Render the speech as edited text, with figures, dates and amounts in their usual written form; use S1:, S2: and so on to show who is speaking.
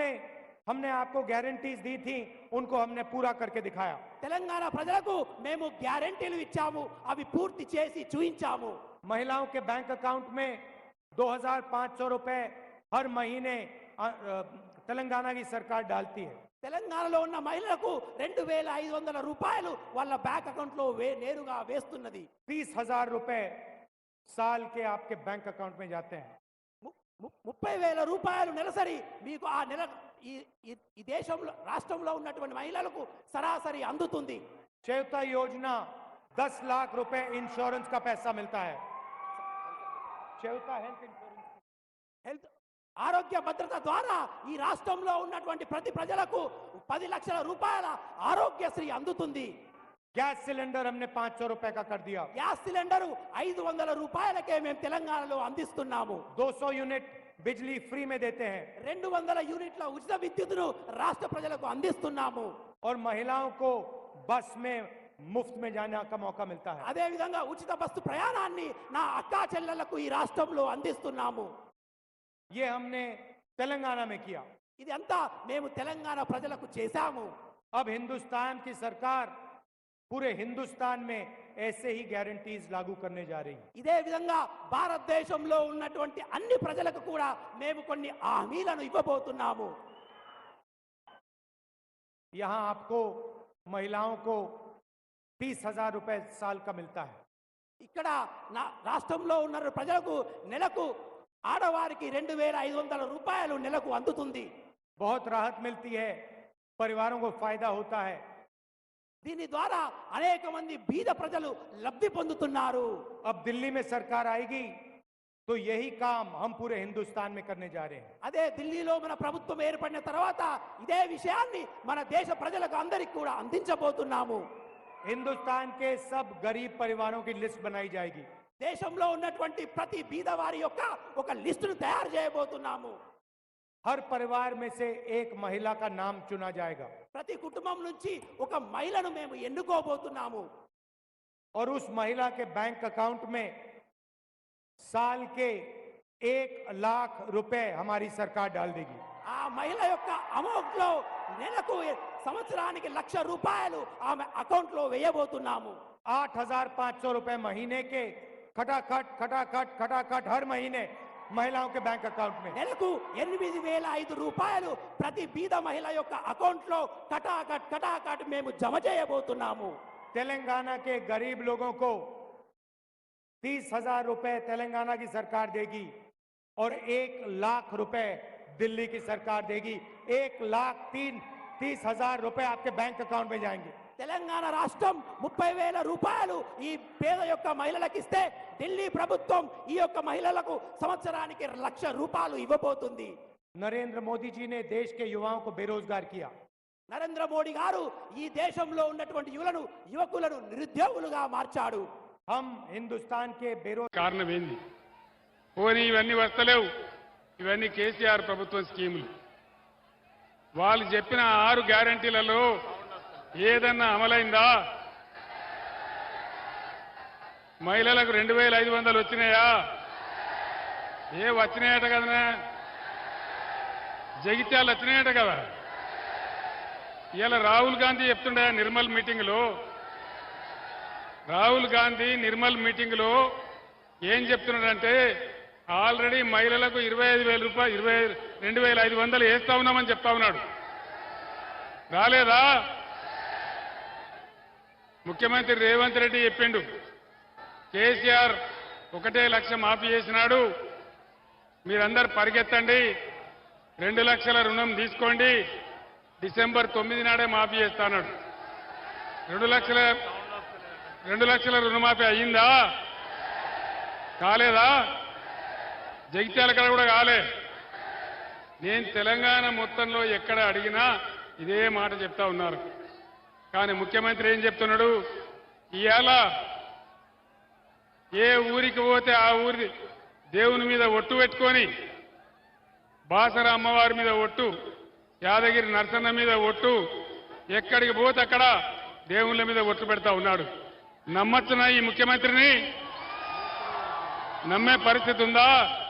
S1: में हमने आपको गारंटीज दी थी, उनको हमने पूरा करके दिखाया।
S2: తెలంగాణ ప్రజలకు మేము గ్యారెంటీలు ఇచ్చాము, అవి పూర్తి చేసి చూయించాము।
S1: महिलाओं के बैंक अकाउंट में 2500 रुपए हर महीने तेलंगाना की सरकार डालती है।
S2: తెలంగాణలో ఉన్న మహిళలకు 2500 రూపాయలు వాళ్ళ బ్యాంక్ అకౌంట్ లో నేరుగా వేస్తున్నది।
S1: 30,000 रुपए साल के आपके बैंक अकाउंट में जाते हैं।
S2: 30,000 రూపాయలు నెలసరి మీకు ఆ నెల ఈ దేశంలో రాష్ట్రంలో ఉన్నటువంటి మహిళలకు సరాసరి అందుతుంది।
S1: चयौता योजना 10 लाख रुपए इंश्योरेंस का पैसा मिलता है। चयौता हेल्थ इंश्योरेंस,
S2: హెల్త్ ఆరోగ్య భద్రత ద్వారా ఈ రాష్ట్రంలో ఉన్నటువంటి ప్రతి ప్రజలకు 10 లక్షల రూపాయల ఆరోగ్యశ్రీ అందుతుంది।
S1: गैस सिलेंडर हमने 500 रुपए का कर दिया।
S2: గ్యాస్ సిలిండర్ 500 రూపాయలకే మేము తెలంగాణలో అందిస్తున్నాము।
S1: 200 यूनिट बिजली फ्री में देते हैं
S2: 200 యూనిట్ల ఉచిత విద్యుత్తును రాష్ట్ర ప్రజలకు అందిస్తున్నాము।
S1: और महिलाओं को बस में मुफ्त में जाने का मौका मिलता है।
S2: అదే విధంగా ఉచిత బస్సు ప్రయాణాన్ని నా అక్కా చెల్లెళ్లకు ఈ రాష్ట్రంలో అందిస్తున్నాము।
S1: ये हमने तेलंगाना में किया।
S2: ఇది అంతా మేము తెలంగాణ ప్రజలకు చేశాము।
S1: अब हिंदुस्तान की सरकार पूरे हिंदुस्तान में ऐसे ही गारंटीज लागू करने जा रही है।
S2: ఇదే విధంగా భారతదేశంలో ఉన్నటువంటి అన్ని ప్రజలకు కూడా మేము కొన్ని హామీలను ఇవ్వబోతున్నాము।
S1: यहाँ आपको महिलाओं को 30,000 रुपए साल का मिलता है।
S2: ఇక్కడ నా రాష్ట్రంలో ఉన్న ప్రజలకు నెలకు ఆడవారికి 2500 రూపాయలు నెలకు అందుతుంది।
S1: बहुत राहत मिलती है, परिवारों को फायदा होता है।
S2: దీని ద్వారా అనేక మంది బీద ప్రజలు లబ్ధి పొందుతున్నారు।
S1: अब दिल्ली में सरकार आएगी तो यही काम हम पूरे हिंदुस्तान में करने जा रहे हैं।
S2: అదే ఢిల్లీలో మన ప్రభుత్వం ఏర్పడిన తర్వాత ఇదే విషయాన్ని మన దేశ ప్రజలకు అందరికీ కూడా అందించబోతున్నాము।
S1: हिंदुस्तान के सब गरीब परिवारों की लिस्ट बनाई जाएगी।
S2: దేశంలో ఉన్నటువంటి ప్రతి బీద వారి యొక్క ఒక లిస్టును తయారు చేయబోతున్నాము।
S1: हर परिवार में से एक महिला का नाम चुना जाएगा
S2: ప్రతి కుటుంబం నుంచి ఒక మహిళను మేము ఎన్నుకోబోతున్నాము।
S1: और उस महिला के बैंक अकाउंट में साल के 1 लाख रुपए हमारी सरकार डाल देगी।
S2: ఆ మహిళ యొక్క అమౌంట్ లో నెలకు సంవత్సరానికి 1,00,000 రూపాయలు ఆమె అకౌంట్ లో వేయబోతున్నాము।
S1: 8,500 रुपए महीने के खटाखट खटाखट खटाखट हर महीने महिलाओं के बैंक अकाउंट में।
S2: నెలకు 8,500 రూపాయలు ప్రతి బీద మహిళ యొక్క అకౌంట్ లో కటాకట్ కటాకట్ మేము జమ చేయబోతున్నాము।
S1: तेलंगाना के गरीब लोगों को 30,000 रुपए तेलंगाना की सरकार देगी और 1 लाख रुपए दिल्ली की सरकार देगी। 1,30,000 रुपए आपके बैंक अकाउंट में जाएंगे।
S2: తెలంగాణ రాష్ట్రం 30,000 రూపాయలు ఈ పేద యొక్క మహిళలకు ఇస్తే ఢిల్లీ ప్రభుత్వం ఈ యొక్క మహిళలకు సంవత్సరానికి 1,00,000 రూపాయలు ఇవ్వబోతుంది।
S1: नरेंद्र मोदी जी ने देश के युवाओं को बेरोजगार किया।
S2: నరేంద్ర మోడీ గారు ఈ దేశంలో ఉన్నటువంటి యువకులను నిరుద్యోగులుగా మార్చాడు।
S1: हम हिंदुस्तान के बेरोजगार
S3: కారణం ఏంది? పోనీ ఇవన్నీ వస్తలేవు, ఇవన్నీ కేసీఆర్ ప్రభుత్వం స్కీములు। వాళ్ళు చెప్పిన 6 గ్యారంటీలలో ఏదన్నా అమలైందా? మహిళలకు 2,500 వచ్చినాయా? వచ్చినాయట కదా, జగిత్యాలు వచ్చినాయట కదా। ఇలా రాహుల్ గాంధీ చెప్తుండే నిర్మల్ మీటింగ్లో, రాహుల్ గాంధీ నిర్మల్ మీటింగ్లో ఏం చెప్తున్నాడంటే ఆల్రెడీ మహిళలకు 25,000 రూపాయలు 22,500 వేస్తా ఉన్నామని చెప్తా ఉన్నాడు। రాలేదా? ముఖ్యమంత్రి రేవంత్ రెడ్డి చెప్పిండు, కేసీఆర్ 1 లక్ష మాఫీ చేసినాడు, మీరందరూ పరిగెత్తండి, 2 లక్షల రుణం తీసుకోండి, డిసెంబర్ 9 నాడే మాఫీ చేస్తాడు। 2 లక్షల రుణమాఫీ అయ్యిందా? కాలేదా? జగిత్యాల కాడ కూడా కాలే। నేను తెలంగాణ మొత్తంలో ఎక్కడ అడిగినా ఇదే మాట చెప్తా ఉన్నారు। కానీ ముఖ్యమంత్రి ఏం చెప్తున్నాడు? ఇవాళ ఏ ఊరికి పోతే ఆ ఊరి దేవుని మీద ఒట్టు పెట్టుకొని, బాసర అమ్మవారి మీద ఒట్టు, యాదగిరి నరసన్న మీద ఒట్టు, ఎక్కడికి పోతే అక్కడ దేవుళ్ళ మీద ఒట్టు పెడతా ఉన్నాడు। నమ్మచ్చునా ఈ ముఖ్యమంత్రిని? నమ్మే పరిస్థితి ఉందా?